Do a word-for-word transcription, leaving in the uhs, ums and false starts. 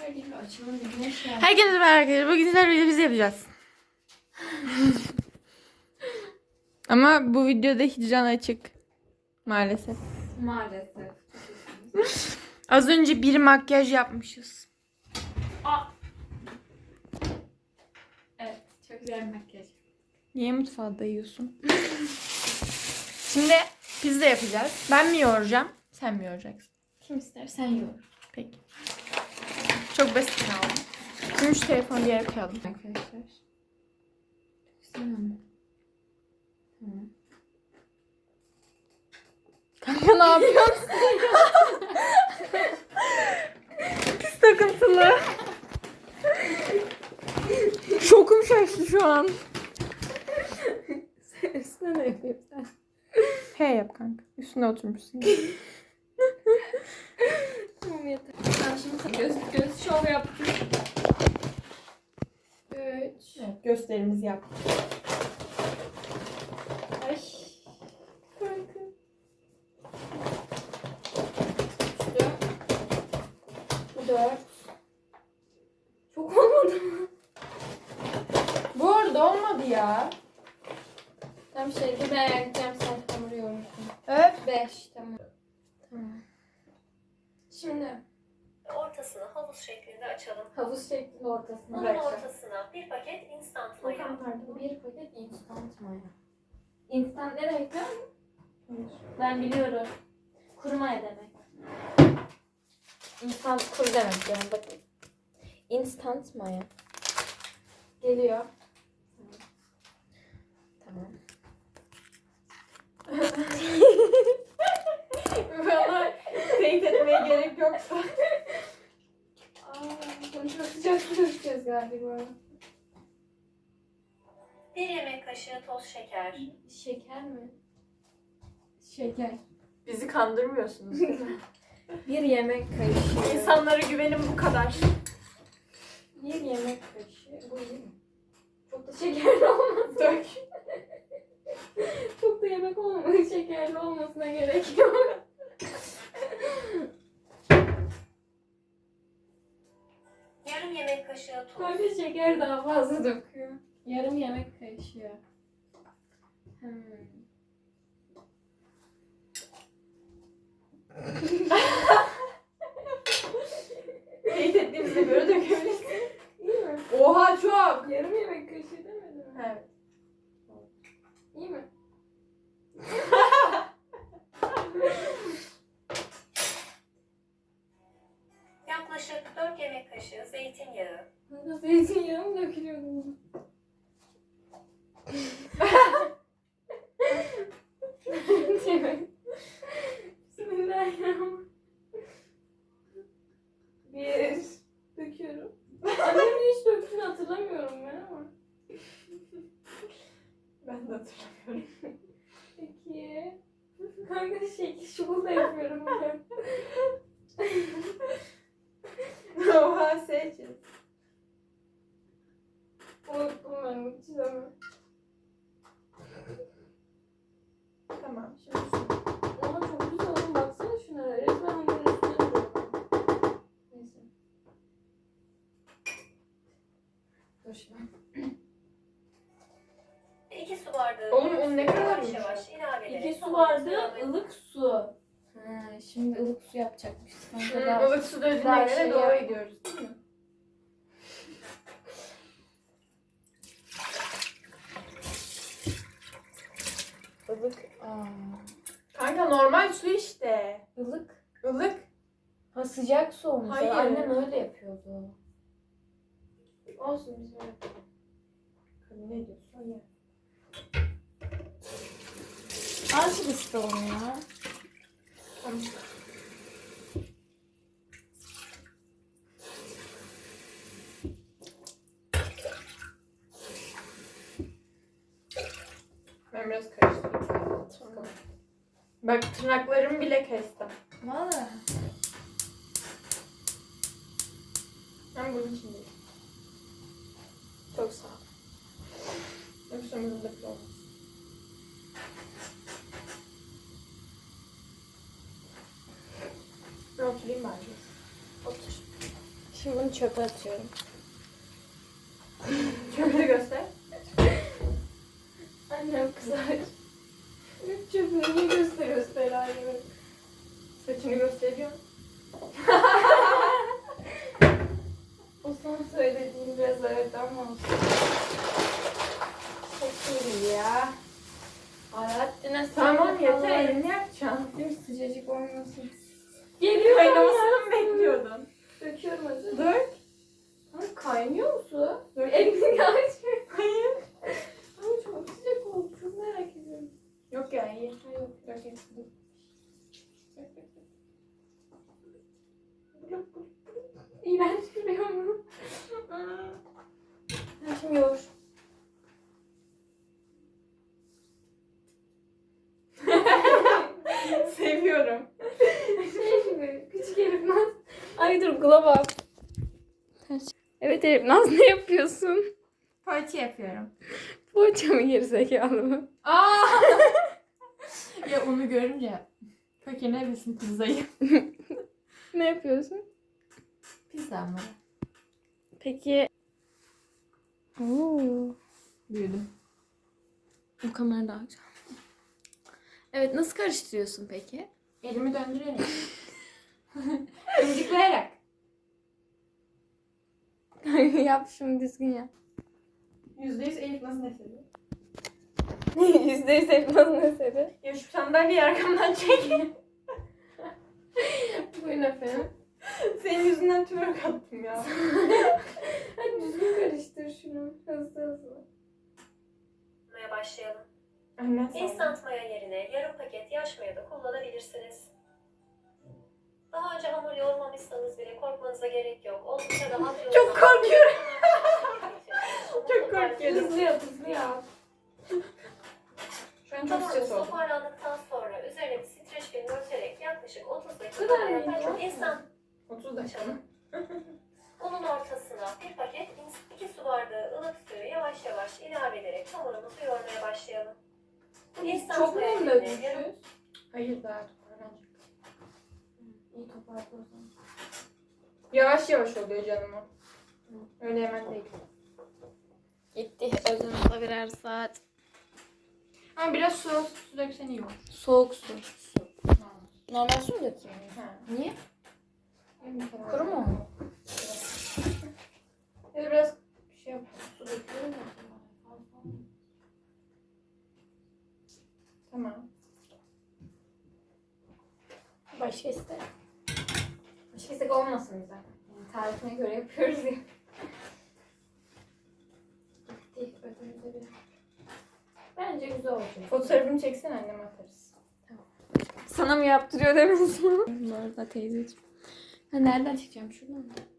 Arkadaşlar gibi açalım bir güneş geldi. Herkese merhaba arkadaşlar. Bugün sizlerle birlikte biz yapacağız. Ama bu videoda hicran açık. Maalesef. Maalesef. Az önce bir makyaj yapmışız. Aa. Evet. Çok güzel bir makyaj. Niye mutfağa dayıyorsun? Şimdi pizza yapacağız. Ben mi yoğuracağım? Sen mi yoğuracaksın? Kim ister sen yoğur. Peki. Çok basit kaldı. Şimdi şu telefonu bir yere koyalım. Arkadaşlar. Güzel ama. Tamam. Kanka ne yapıyorsun? Pis takıntılı. Şokum şaştı şu an. Üstüne ne yapayım sen? He yap kanka. Üstüne oturmuşsun. Tamam yeter. Ben şimdi göz, göz şov yaptım. Üç. Evet, gösterimizi yap. Ay. Kanka. Üçtü. Bu dört. Çok olmadı mı? Bu arada olmadı ya. Tam şeydi ben yakacağım sen hamuru yoğurursun. Evet. Beş. Tamam. Tamam. Şimdi Ortasını havuz şeklinde açalım. havuz şeklinde ortasına Bunun bırakacağım. ortasına bir paket instant maya. Bakalım pardon. Bir paket instant maya. Instant ne demek biliyor musun? Ben biliyorum. Kuru maya demek. Instant kuru demek yani bakın. Instant maya. Geliyor. Tamam. Valla teyit etmeye gerek yok. Aa, bunu çok sıcak su dökeceğiz galiba. Bir yemek kaşığı toz şeker. Şeker mi? Şeker. Bizi kandırmıyorsunuz değil mi? Bir yemek kaşığı. İnsanlara güvenim bu kadar. Bir yemek kaşığı. Bu iyi mi? Çok da şekerli olmasın. Dök. Çok da yemek olmaması, şekerli olmasına gerek yok. Yarım yemek kaşığı tuz. Böyle şeker daha fazla döküyor. Yarım yemek kaşığı. Hmm. Teyit ettiğimize göre dökebilirsin. İyi mi? Oha çok. Yarım yemek kaşığı demedim mi? Evet. İyi mi? Yaklaşık dört yemek kaşığı zeytinyağı. Burada zeytinyağı mı dökülüyor bunun? Bismillahirrahmanirrahim. Bir. Döküyorum. Annemin hiç döktüğünü hatırlamıyorum ben ama. Ben de hatırlamıyorum. İki. Kanka şekil şukul da yapıyorum ben. Oha seçin. Unuttum ben bu çizemi. Tamam şimdi su. Ama çok güzel oldu. Baksana şuna. Resmen hamurun üstüne duruyor. Neyse. Dur şimdi. iki su bardağı. Oğlum, o ne yavaş kadarmış? yavaş ilave ederek. İki su bardağı ılık su. Ha, şimdi ılık su yapacakmışız. Kanka daha- Ilık su döndüğüne daha göre şey doğru yap- gidiyoruz değil mi? Ilık. Aa. Kanka normal su işte. Ilık. Ilık. Ha sıcak su olmuş. Hayır. Annem öyle yapıyordu. Olsun biz öyle yapalım. Ne diyorsun ya? Azıcık ısı onu ya. Tamam. Ben biraz karıştırayım. Tamam. Bak tırnaklarımı bile kestim. Valla. Ben bunun için değil. Çok sağ ol. Yoksa umurumda bile olmaz. Ben oturayım bence. Otur. Şimdi bunu çöpe atıyorum. Çöpleri göster. Annem kızar. Çöpünü niye gösteriyorsun herhalde? Saçını gösteriyor. O son söylediğim biraz evet ama olsun. Çok iyi ya. Alaaddin'e Tamam söyle yeter, falan. elini yapacağım. Değil mi? Sıcacık olmasın. Geliyor. Kaynamasını mı bekliyordun? Döküyorum hadi. Dur. Ama kaynıyor mu su? Dur, elini aç. Hayır. Ama çok sıcak oldu. Çok merak ediyorum. Yok ya, iyi. Ha yok. Yok yok. İğrenç duruyor mu? Ha, şimdi yoğur. Seviyorum. Şey gibi. Küçük Elif Naz. Ay dur glow up. Evet Elif Naz ne yapıyorsun? Parça yapıyorum. Poğaça mı gerizekalı mı? Aa! Ya onu görünce kökene bilsin pizzayı. Ne yapıyorsun? Pizza mı? Peki. Oo. Büyüdüm. Bu kamera daha güzel. Evet nasıl karıştırıyorsun peki? Elimi döndürerek. Mıncıklayarak. Yap şunu düzgün yap. Yüzde yüz Elif nasıl ne seviyor? Yüzde yüz Elif Naz ne seri? Ya şu sandalyeyi arkamdan çek. Buyurun efendim. Senin yüzünden twerk attım ya. Hadi düzgün karıştır şunu. Hızlı hızlı. Maya başlayalım. Annen sağ ol. Instant maya yerine yarım paket yaş maya da kullanabilirsiniz. Daha önce hamur yoğurmamışsanız bile korkmanıza gerek yok. Oldukça rahat yoğurun. Çok korkuyorum. Çok korkuyorum. Hızlı yap hızlı yap. Şu an çok Hamurunuz stres oldum. toparlandıktan sonra üzerine bir streç film örterek yaklaşık otuz dakika Bu kadar maya mıydı? yapın. Instant otuz dakika mı? unun ortasına bir paket iki su bardağı ılık suyu yavaş yavaş ilave ederek hamurumuzu yoğurmaya başlayalım. Instant Çok mu maya mu yerine yarım dökmüşüz? Hayır, daha toparlanacak. İyi toparla o zaman. Yavaş yavaş oluyor canım o. Öyle hemen değil. Gitti özümüzde birer saat. Ama biraz su, su döksen iyi olur. Soğuk su. Su. Normal su mu dökeyim? Ha. Niye? Kuru Kuru mu? Ya da biraz şey yap. Su döküyorum ya. Tamam. Başka iste. Başka istek olmasın bize. Yani tarifine göre yapıyoruz ya. Gitti özümüzde birer. Bence güzel olacak. Fotoğrafını çeksen anneme atarız. Sana mı yaptırıyor demesin? Bu arada teyzeciğim. Ha, nereden çekeceğim? Şuradan mı?